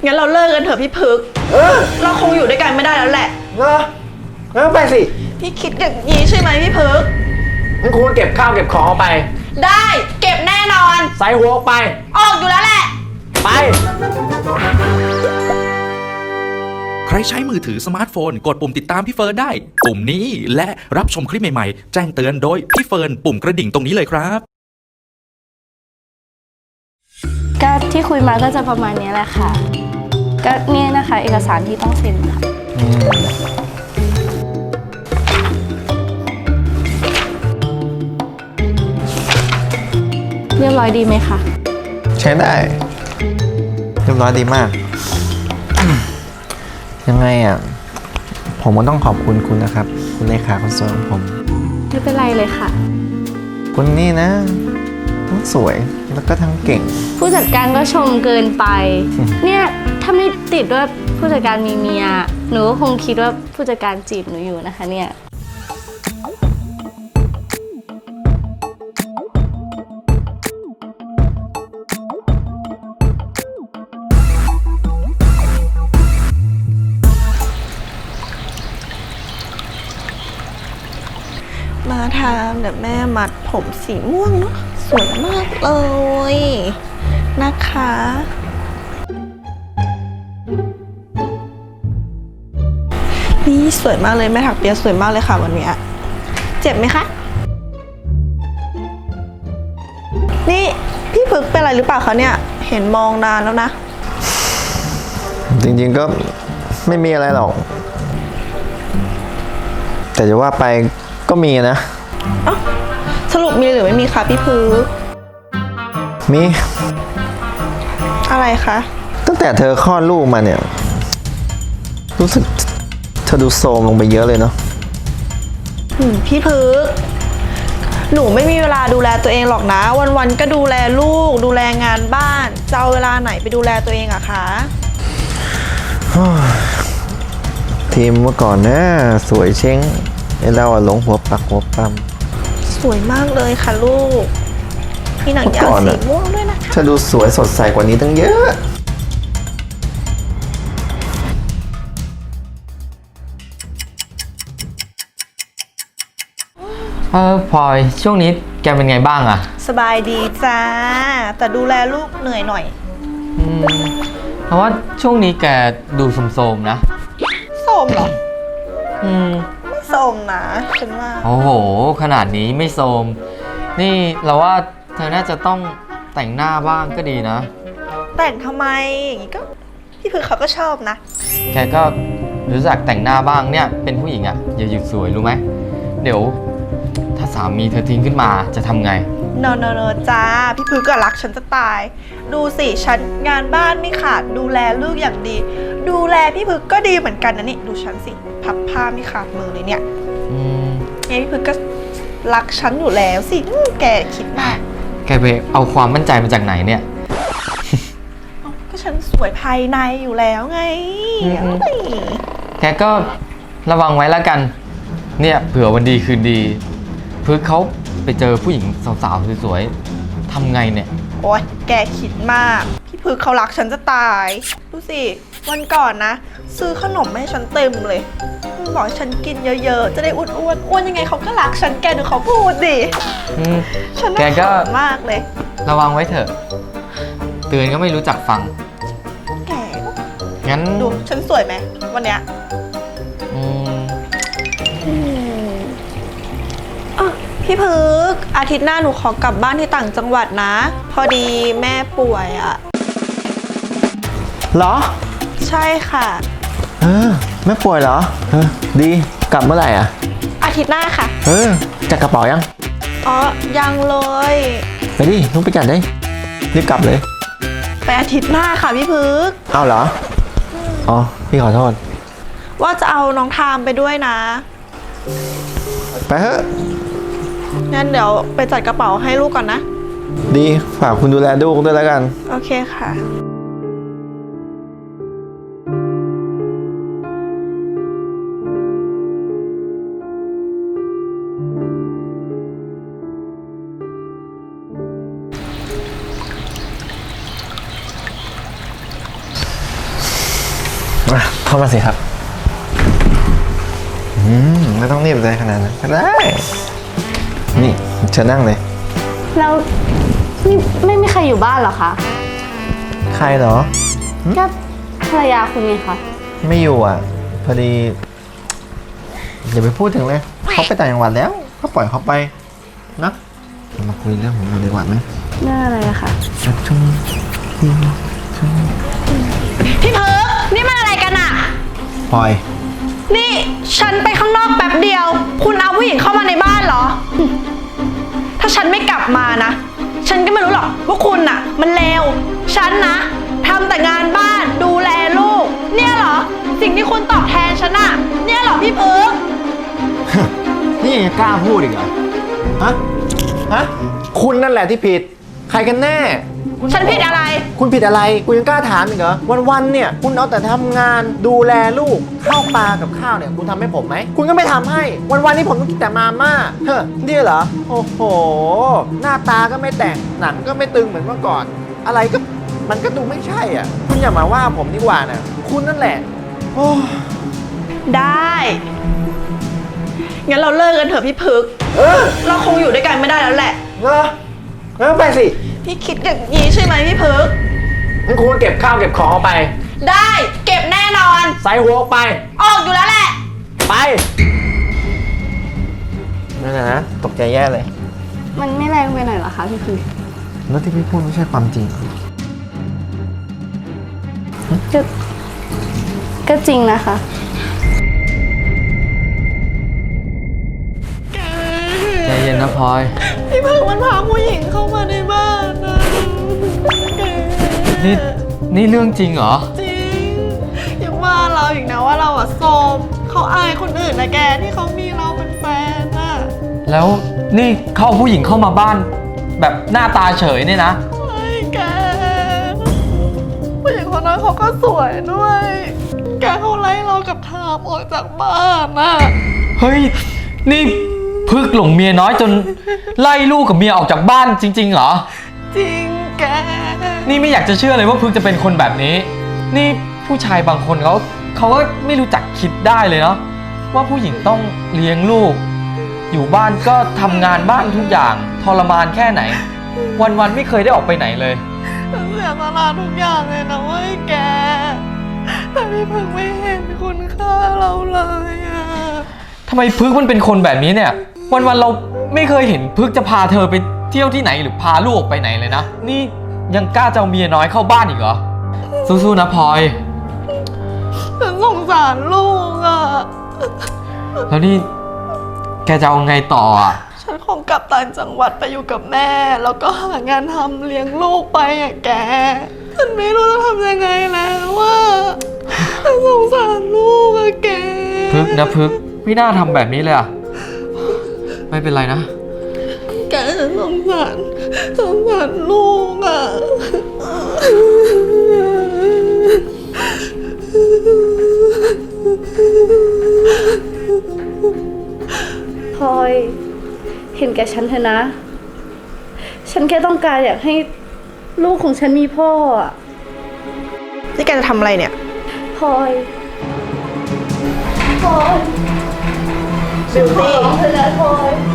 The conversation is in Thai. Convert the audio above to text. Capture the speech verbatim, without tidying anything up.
งั้นเราเลิกกันเถอะพี่พึกเออเราคงอยู่ด้วยกันไม่ได้แล้วแหละเอองั้นไปสิพี่คิดอย่างนี้ใช่ไหมพี่พึกงั้นคุณเก็บข้าวเก็บของเอาไปได้เก็บแน่นอนใส่หัวออกไปออกอยู่แล้วแหละไปใครใช้มือถือสมาร์ทโฟนกดปุ่มติดตามพี่เฟิร์นได้ปุ่มนี้และรับชมคลิปใหม่ๆแจ้งเตือนโดยพี่เฟิร์นปุ่มกระดิ่งตรงนี้เลยครับก็ที่คุยมาก็จะประมาณนี้แหละค่ะก็เนี่ยนะคะเอกสารที่ต้องเซ็นค่ะเรียบร้อยดีไหมคะใช้ได้เรียบร้อยดีมากยังไงอ่ะผมก็ต้องขอบคุณคุณนะครับคุณเลขาคนสวยของผมไม่เป็นไรเลยค่ะคุณนี่นะทั้งสวยแล้วก็ทั้งเก่งผู้จัดการก็ชมเกินไปเนี่ยถ้าไม่ติดว่าผู้จัดการมีเมียหนูก็คงคิดว่าผู้จัดการจีบหนูอยู่นะคะเนี่ยมาทำเดี๋ยวแม่มัดผมสีม่วงเนาะสวยมากเลยนะคะนี่สวยมากเลยแม่ถักเปียสวยมากเลยค่ะวันนี้เจ็บไหมคะนี่พี่พึกเป็นอะไรหรือเปล่าคะเนี่ยเห็นมองนานแล้วนะจริงๆก็ไม่มีอะไรหรอกแต่จะว่าไปก็มีนะเอ้าสรุปมีหรือไม่มีคะพี่พึกมีอะไรคะตั้งแต่เธอคลอดลูกมาเนี่ยรู้สึกเธอดูโทรมลงไปเยอะเลยเนาะพี่พึกหนูไม่มีเวลาดูแลตัวเองหรอกนะวันๆก็ดูแลลูกดูแลงานบ้านจะเอาเวลาไหนไปดูแลตัวเองอะคะทีมเมื่อก่อนนะสวยเช้งไอ้เราหลงหัวปักหัวปั๊มสวยมากเลยค่ะลูกมีหนังยาวสีม่วงด้วยนะคะเธอดูสวยสดใสกว่านี้ตั้งเยอะเออพลอยช่วงนี้แกเป็นไงบ้างอะสบายดีจ้าแต่ดูแลลูกเหนื่อยหน่อยอืมเพราะว่าช่วงนี้แกดูโทรมๆนะโทรมเหรออืมไม่โทรมนะฉันว่าโอ้โหขนาดนี้ไม่โทรมนี่เราว่าเธอน่าจะต้องแต่งหน้าบ้างก็ดีนะแต่งทำไมอย่างนี้ก็พี่พึกเขาก็ชอบนะแกก็รู้จักแต่งหน้าบ้างเนี่ยเป็นผู้หญิงอะอย่าหยุดสวยรู้ไหมเดี๋ยวถ้าสามีเธอทิ้งขึ้นมาจะทำไงโนโนโนจ้าพี่พึกก็รักฉันจะตายดูสิฉันงานบ้านไม่ขาดดูแลลูกอย่างดีดูแลพี่พึกก็ดีเหมือนกันนะนี่ดูฉันสิพับผ้าไม่ขาดมือเลยเนี่ยอืมเนี่ยพี่พึกก็รักฉันอยู่แล้วสิแกคิดมากแกไปเอาความมั่นใจมาจากไหนเนี่ยก็ฉันสวยภายในอยู่แล้วไงแกก็ระวังไว้แล้วกันเนี่ยเผื่อวันดีคืนดีพึกเขาไปเจอผู้หญิงสาวๆสวยๆทำไงเนี่ยโอ๊ยแกคิดมากพี่พึกเขารักฉันจะตายดูสิวันก่อนนะซื้อขนมให้ฉันเต็มเลยบอกฉันกินเยอะๆจะได้อ้วนๆอ้วนยังไงเขาก็รักฉันแกดูเขาพูดดิฉันน่าเขินมากเลยระวังไว้เถอะเตือนก็ไม่รู้จักฟังแกงั้นดูฉันสวยไหมวันเนี้ยพี่พึกอาทิตย์หน้าหนูขอกลับบ้านที่ต่างจังหวัดนะพอดีแม่ป่วยอะเหรอใช่ค่ะเออแม่ป่วยเหรอเออดีกลับเมื่อไหร่อ่ะอาทิตย์หน้าค่ะเออจัดกระเป๋ายังอ๋อยังเลยไปดิลุกไปจัดเลยรีบกลับเลยไปอาทิตย์หน้าค่ะพี่พึกเอาเหรออ๋อพี่ขอโทษว่าจะเอาน้องทามไปด้วยนะไปเถอะงั้นเดี๋ยวไปจัดกระเป๋าให้ลูกก่อนนะดีฝากคุณดูแลลูกด้วยแล้วกันโอเคค่ะสมาเข้ามาสิครับ อืมไม่ต้องรีบเลยขนาดนั้นก็ได้ นี่เชิญนั่งเลยแล้วนี่ไม่มีใครอยู่บ้านเหรอคะใครเหรอก็ภรรยาคุณไงคะไม่อยู่อ่ะ พอดีอย่าไปพูดถึงเลย เขาไปต่างจังหวัดแล้ว ก็ปล่อยเขาไปนะเรามาคุยเรื่องของเราดีกว่าไหมเรื่องอะไรอะคะชุ่มพี่เพิร์กนี่มันอะไรกันอะปล่อยนี่ฉันไปข้างนอกแป๊บเดียว คุณเอาผู้หญิงเข้ามาในบ้านเหรอ ถ้าฉันไม่กลับมานะ ฉันก็ไม่รู้หรอกว่าคุณน่ะ มันเลว ฉันนะทำแต่งานบ้านดูแลลูก เนี่ยเหรอ สิ่งที่คุณตอบแทนฉันอะเนี่ยเหรอพี่เพิร์กนี่ยังกล้าพูดอีกเหรอ ฮะ ฮะ คุณนั่นแหละที่ผิด ใครกันแน่ฉันผิดอะไรคุณผิดอะไร กูยังกล้าถามอีกเหรอ วันๆเนี่ย คุณเอาแต่ทำงานดูแลลูก ข้าวปลากับข้าวเนี่ย คุณทำให้ผมไหม คุณก็ไม่ทำให้ วันๆนี้ผมต้องกินแต่มาม่า เฮ้อนี่เหรอ โอ้โห หน้าตาก็ไม่แต่ง หนังก็ไม่ตึงเหมือนเมื่อก่อน อะไรก็ มันก็ดูไม่ใช่อ่ะ คุณอย่ามาว่าผมดีกว่านะคุณนั่นแหละ โอ้ได้ งั้นเราเลิกกันเถอะพี่พึกเออเราคงอยู่ด้วยกันไม่ได้แล้วแหละเออเออไปสิพี่คิดอย่างนี้ใช่ไหมพี่พึกงั้นคุณก็เก็บข้าวเก็บของเอาไปได้เก็บแน่นอนใส่หัวออกไปออกอยู่แล้วแหละไปนั่นนะตกใจแย่เลยมันไม่แรงไปหน่อยเหรอคะพี่คือแล้วที่พี่พูดไม่ใช่ความจริงก็ก็จริงนะคะใจเย็นนะพลอยพี่พึกมันพาผู้หญิงเข้ามาในบ้านนะนี่นี่เรื่องจริงเหรอจริงยังว่าเราอีกนะว่าเราอะโสมเขาอายคนอื่นนะแกที่เขามีเราเป็นแฟนน่ะแล้วนี่เข้าผู้หญิงเข้ามาบ้าน แบบหน้าตาเฉยเนี่ยนะไอ้แกผู้หญิงคนนั้นเขาก็สวยด้วย แกเขาไล่เรากับทามออกจากบ้านน่ะเฮ้ย นี่พึกหลงเมียน้อยจนไล่ลูกกับเมียออกจากบ้านจริง ๆ เหรอจริงแกนี่ไม่อยากจะเชื่อเลยว่าพึกจะเป็นคนแบบนี้ นี่ผู้ชายบางคนเขาเขาก็ไม่รู้จักคิดได้เลยเนาะว่าผู้หญิงต้องเลี้ยงลูก อยู่บ้านก็ทำงานบ้านทุกอย่างทรมานแค่ไหน วันๆไม่เคยได้ออกไปไหนเลยฉันเสียสละทุกอย่างเลยนะเว้ยแก แต่พี่พึงไม่เห็นคุณค่าเราเลยอะทำไมพึกมันเป็นคนแบบนี้เนี่ย วันๆเราไม่เคยเห็นพึกจะพาเธอไปเที่ยวที่ไหนหรือพาลูกออกไปไหนเลยนะ นี่ยังกล้าจะเอาเมียน้อยเข้าบ้านอีกเหรอ สู้ๆนะพลอยฉันสงสารลูกอะแล้วนี่แกจะเอาไงต่ออ่ะฉันคงกลับต่างจังหวัดไปอยู่กับแม่ แล้วก็หางานทำเลี้ยงลูกไปอะแก ฉันไม่รู้จะทำยังไงแล้วว่าฉันสงสารลูกอะแกพึกนะพึกไม่น่าทำแบบนี้เลยอ่ะ ไม่เป็นไรนะแกฉันสงสารสงสารลูกอะพลอยเห็นแก่ฉันเถอะนะ ฉันแค่ต้องการอยากให้ลูกของฉันมีพ่ออะนี่แกจะทำอะไรเนี่ยพลอยพลอยบิวตี้ขอเธอนะพลอย